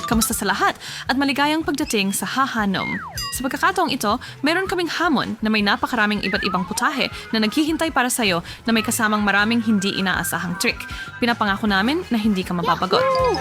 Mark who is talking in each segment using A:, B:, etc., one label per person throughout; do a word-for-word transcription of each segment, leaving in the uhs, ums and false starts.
A: kamusta sa lahat at maligayang pagdating sa Hahanom. Sa pagkakataong ito, meron kaming hamon na may napakaraming iba't ibang putahe na naghihintay para sa'yo na may kasamang maraming hindi inaasahang trick. Pinapangako namin na hindi ka mababagot.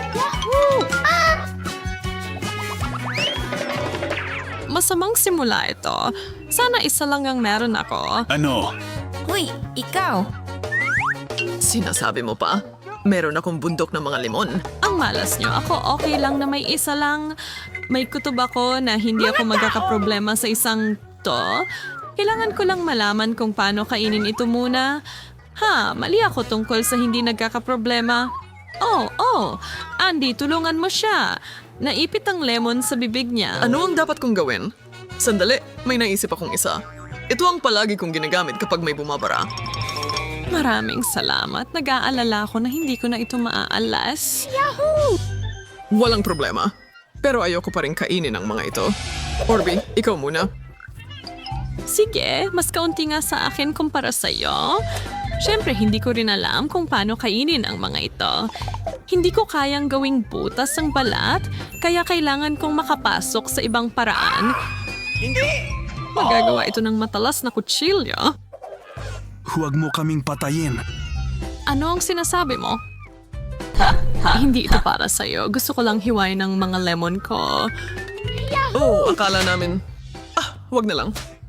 A: Masamang simula ito. Sana isa lang ang meron ako.
B: Ano?
C: Hoy, ikaw!
D: Sinasabi mo pa? Meron akong bundok ng mga limon.
A: Ang malas nyo. Ako okay lang na may isa lang. May kutob ako na hindi ako magkakaproblema sa isang to. Kailangan ko lang malaman kung paano kainin ito muna. Ha, mali ako tungkol sa hindi nagkakaproblema. Oh, oh, Andy, tulungan mo siya. Naipit ang lemon sa bibig niya.
D: Ano ang dapat kong gawin? Sandali, may naisip akong isa. Ito ang palagi kong ginagamit kapag may bumabara.
A: Maraming salamat. Nag-aalala ko na hindi ko na ito maaalas.
D: Walang problema. Pero ayoko pa rin kainin ang mga ito. Orby, ikaw muna.
A: Sige, mas kaunti nga sa akin kumpara sa'yo. Siyempre, hindi ko rin alam kung paano kainin ang mga ito. Hindi ko kayang gawing butas ang balat, kaya kailangan kong makapasok sa ibang paraan.
B: Hindi!
A: Magagawa ito ng matalas na kutsilyo.
B: Huwag mo kaming patayin.
A: Ano ang sinasabi mo? Ha, ha, hindi ito para sa'yo. Gusto ko lang hiwain ng mga lemon ko.
D: Oh, akala namin... Ah, wag na lang.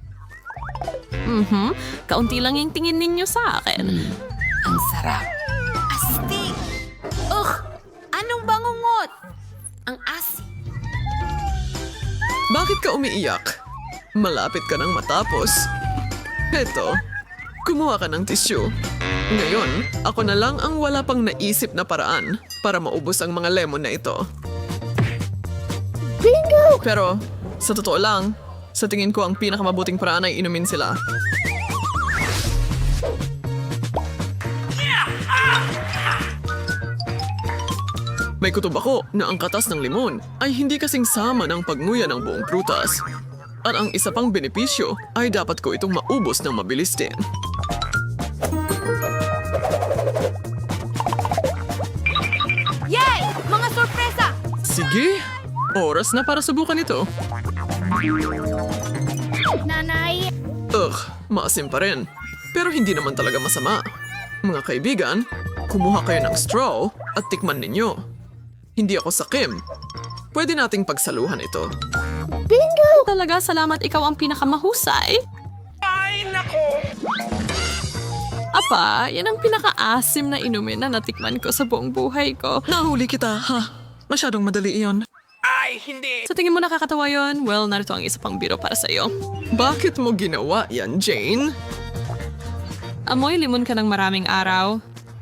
A: Mhm, kaunti lang yung tingin ninyo sa akin.
C: Ang sarap. Astig! Ugh! Anong bangungot? Ang asin.
D: Bakit ka umiiyak? Malapit ka nang matapos. Heto, kumuha ka ng tissue. Ngayon, ako na lang ang wala pang naisip na paraan para maubos ang mga lemon na ito. Bingo! Pero, sa totoo lang, sa tingin ko ang pinakamabuting paraan ay inumin sila. May kutob ako na ang katas ng limon ay hindi kasing sama ng pagnguya ng buong prutas. At ang isa pang benepisyo ay dapat ko itong maubos ng mabilis din.
C: Yay! Mga sorpresa!
D: Sige, oras na para subukan ito.
C: Nanay!
D: Ugh, maasim pa rin. Pero hindi naman talaga masama. Mga kaibigan, kumuha kayo ng straw at tikman ninyo. Hindi ako sakim. Pwede nating pagsaluhan ito.
A: Talaga, salamat, ikaw ang pinakamahusay.
B: Ay, nako!
A: Apa, yan ang pinakaasim na inumin na natikman ko sa buong buhay ko.
D: Nahuli kita, ha? Masyadong madali iyon.
B: Ay, hindi!
A: Sa tingin mo nakakatawa yon? Well, narito ang isa pang biro para sa'yo.
D: Bakit mo ginawa yan, Jane?
A: Amoy limon ka ng maraming araw.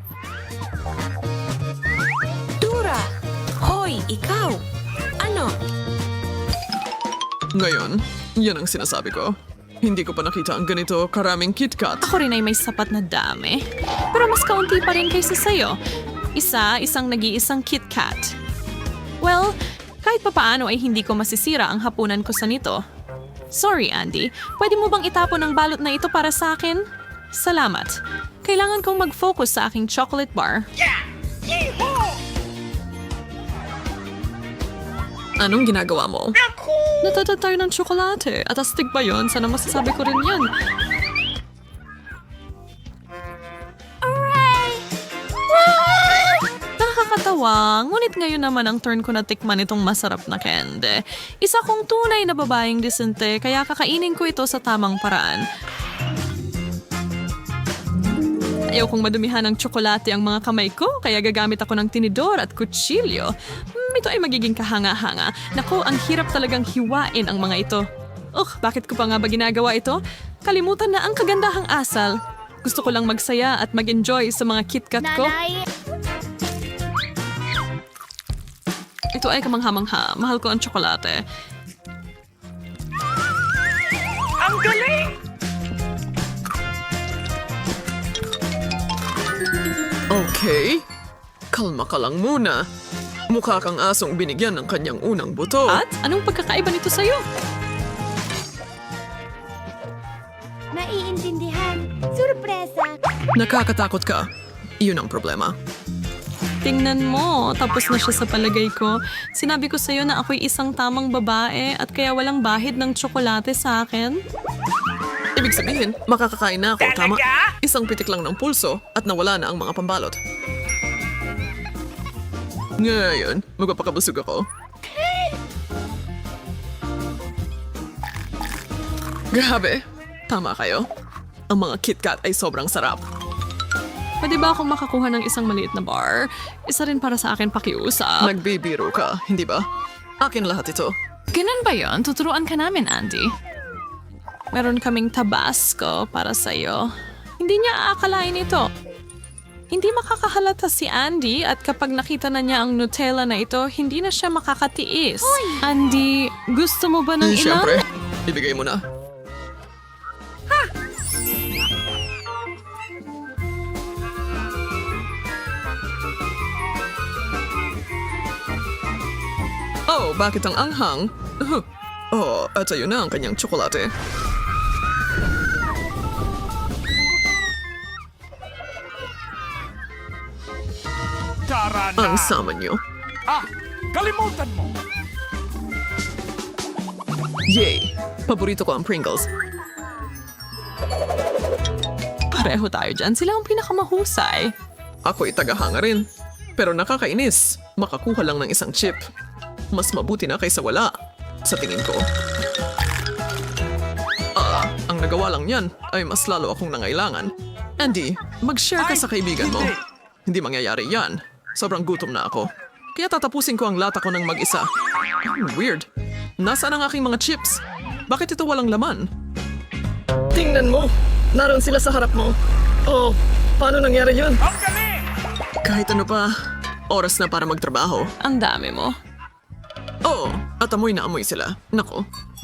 C: Dura! Hoy, ikaw! Ano?
D: Ngayon, yan ang sinasabi ko. Hindi ko pa nakita ang ganito karaming KitKat.
A: Ako rin ay may sapat na dami. Pero mas kaunti pa rin kaysa sa'yo. Isa, isang nag-iisang KitKat. Well, kahit papaano ay hindi ko masisira ang hapunan ko sa nito. Sorry, Andy. Pwede mo bang itapon ang balot na ito para sa akin? Salamat. Kailangan kong mag-focus sa aking chocolate bar.
D: Anong ginagawa mo?
A: Natatad tayo ng tsokolate. At astig ba yun? Sana masasabi ko rin yan. Nakakatawa. Ngunit ngayon naman ang turn ko na tikman itong masarap na candy. Isa kong tunay na babaeng disente, kaya kakainin ko ito sa tamang paraan. Ayaw kong madumihan ng tsokolate ang mga kamay ko, kaya gagamit ako ng tinidor at kutsilyo. Hmm, ito ay magiging kahanga-hanga. Naku, ang hirap talagang hiwain ang mga ito. Ugh, bakit ko pa nga ba ginagawa ito? Kalimutan na ang kagandahang asal. Gusto ko lang magsaya at mag-enjoy sa mga KitKat ko.
C: Nanay!
A: Ito ay kamangha-mangha. Mahal ko ang tsokolate.
B: Ang galing!
D: Okay. Kalma ka lang muna. Mukha kang asong binigyan ng kanyang unang buto.
A: At anong pagkakaiba nito sa'yo?
C: Naiintindihan. Sorpresa!
D: Nakakatakot ka. Iyon ang problema.
A: Tingnan mo, tapos na siya sa palagay ko. Sinabi ko sa'yo na ako'y isang tamang babae at kaya walang bahid ng tsokolate sa akin.
D: Ibig sabihin, makakakain na ako, tama?
B: Talaga?
D: Isang pitik lang ng pulso at nawala na ang mga pambalot. Ngayon, magpapakabusog ako. Grabe, tama kayo. Ang mga KitKat ay sobrang sarap.
A: Pwede ba akong makakuha ng isang maliit na bar? Isa rin para sa akin pakiusap.
D: Nagbibiro ka, hindi ba? Akin lahat ito.
A: Ganun ba yon? Tuturuan ka namin, Andy. Meron kaming Tabasco para sa'yo. Hindi niya aakalain ito. Hindi makakahalata si Andy at kapag nakita na niya ang Nutella na ito, hindi na siya makakatiis. Andy, gusto mo ba ng
D: Eh,
A: ilan?
D: Siyempre, ibigay mo na. Oh, bakit ang anghang? Huh. Oh, at ayun na ang kanyang tsokolate.
B: Tara na!
D: Ang sama niyo.
B: Ah! Kalimutan mo!
D: Yay! Paborito ko ang Pringles.
A: Pareho tayo dyan. Sila ang pinakamahusay.
D: Ako'y tagahanga rin. Pero nakakainis. Makakuha lang ng isang chip. Mas mabuti na kaysa wala. Sa tingin ko. Ah, ang nagawa lang yan ay mas lalo akong nangailangan. Andy, mag-share ka
B: Ay,
D: sa kaibigan mo.
B: hindi.
D: Hindi mangyayari yan. Sobrang gutom na ako. Kaya tatapusin ko ang lata ko ng mag-isa. Hmm, weird. Nasaan ang aking mga chips? Bakit ito walang laman? Tingnan mo! Naroon sila sa harap mo. Oh, paano nangyari yun?
B: Ang galing!
D: Kahit ano pa, oras na para magtrabaho.
A: Ang dami mo.
D: Oo, at amoy na amoy sila. Nako,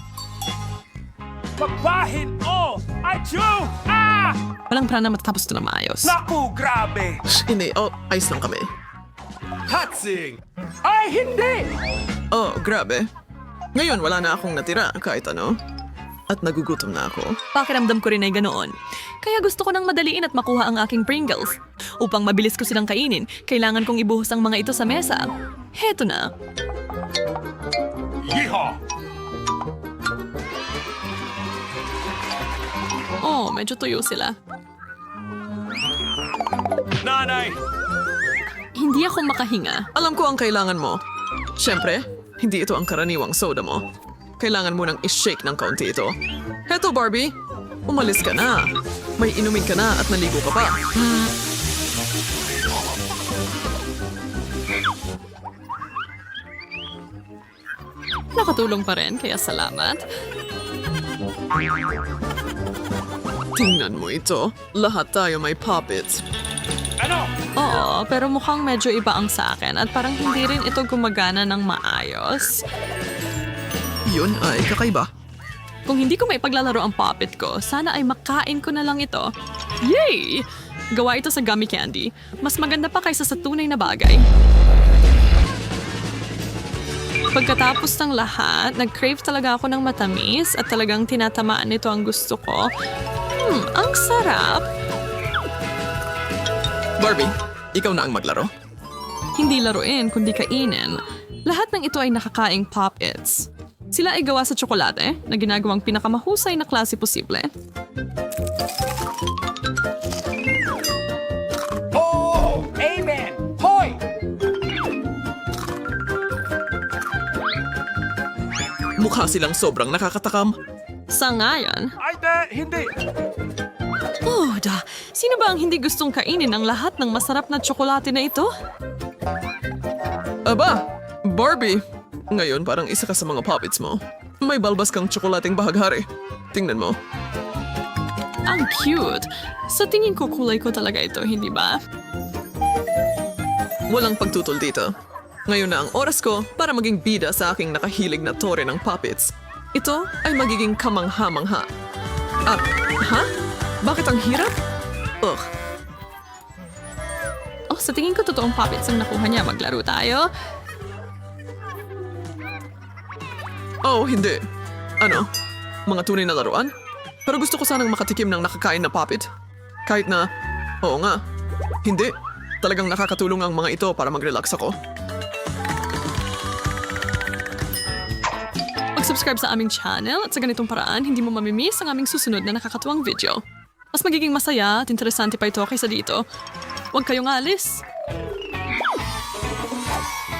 B: Magbahin! Oh! Achoo! Ah!
A: Walang paraan na matatapos ito na maayos.
B: Naku, grabe!
D: shh, hindi. Oh, ayos lang kami.
B: Hatsing! Ay, hindi!
D: Oh, grabe. Ngayon, wala na akong natira kahit ano. At nagugutom na ako.
A: Pakiramdam ko rin ay ganoon. Kaya gusto ko nang madaliin at makuha ang aking Pringles. Upang mabilis ko silang kainin, kailangan kong ibuhos ang mga ito sa mesa. Heto na.
B: Yeehaw!
A: Oh, medyo tuyo sila.
B: Nanay!
A: Hindi ako makahinga.
D: Alam ko ang kailangan mo. Siyempre, hindi ito ang karaniwang soda mo. Kailangan mo nang i-shake ng kaunti ito. Heto, Barbie. Umalis ka na. May inumin ka na at naligo ka pa. Hmm.
A: Nakatulong pa rin, kaya salamat.
D: Tingnan mo ito. Lahat tayo may puppets.
B: Ano?
A: Oo, pero mukhang medyo iba ang sa akin at parang hindi rin ito gumagana ng maayos.
D: Yun ay kakaiba.
A: Kung hindi ko maipaglalaro ang puppet ko, sana ay makain ko na lang ito. Yay! Gawa ito sa gummy candy. Mas maganda pa kaysa sa tunay na bagay. Pagkatapos ng lahat, nag-crave talaga ako ng matamis at talagang tinatamaan nito ang gusto ko. Hmm, ang sarap!
D: Barbie, ikaw na ang maglaro.
A: Hindi laruin, kundi kainin. Lahat ng ito ay nakakaing pop-its. Sila ay gawa sa tsokolate na ginagawang pinakamahusay na klase posible.
B: Oh! Amen! Hoy!
D: Mukha silang sobrang nakakatakam.
A: Sa ngayon,
B: Ay, de, hindi!
A: oh, da, sino ba ang hindi gustong kainin ang lahat ng masarap na tsokolate na ito?
D: Aba, Barbie. Ngayon parang isa ka sa mga puppets mo. May balbas kang tsokolating bahaghari. Tingnan mo.
A: Ang cute. Sa tingin ko kulay ko talaga ito, hindi ba?
D: Walang pagtutol dito. Ngayon na ang oras ko para maging bida sa aking nakahilig na tore ng puppets. Ito ay magiging kamangha-mangha. At, ha? Bakit ang hirap? Ugh,
A: Oh, sa tingin ko totoong puppets ang nakuha niya. Maglaro tayo.
D: oh hindi. Ano? Mga tunay na laruan? Pero gusto ko sanang makatikim ng nakakain na puppet. Kahit na, oo nga, hindi. Talagang nakakatulong ang mga ito para mag-relax ako.
A: Mag-subscribe sa aming channel at sa ganitong paraan, hindi mo mamimiss ang aming susunod na nakakatuwang video. Mas magiging masaya at interesante pa ito kaysa dito. Huwag kayong alis.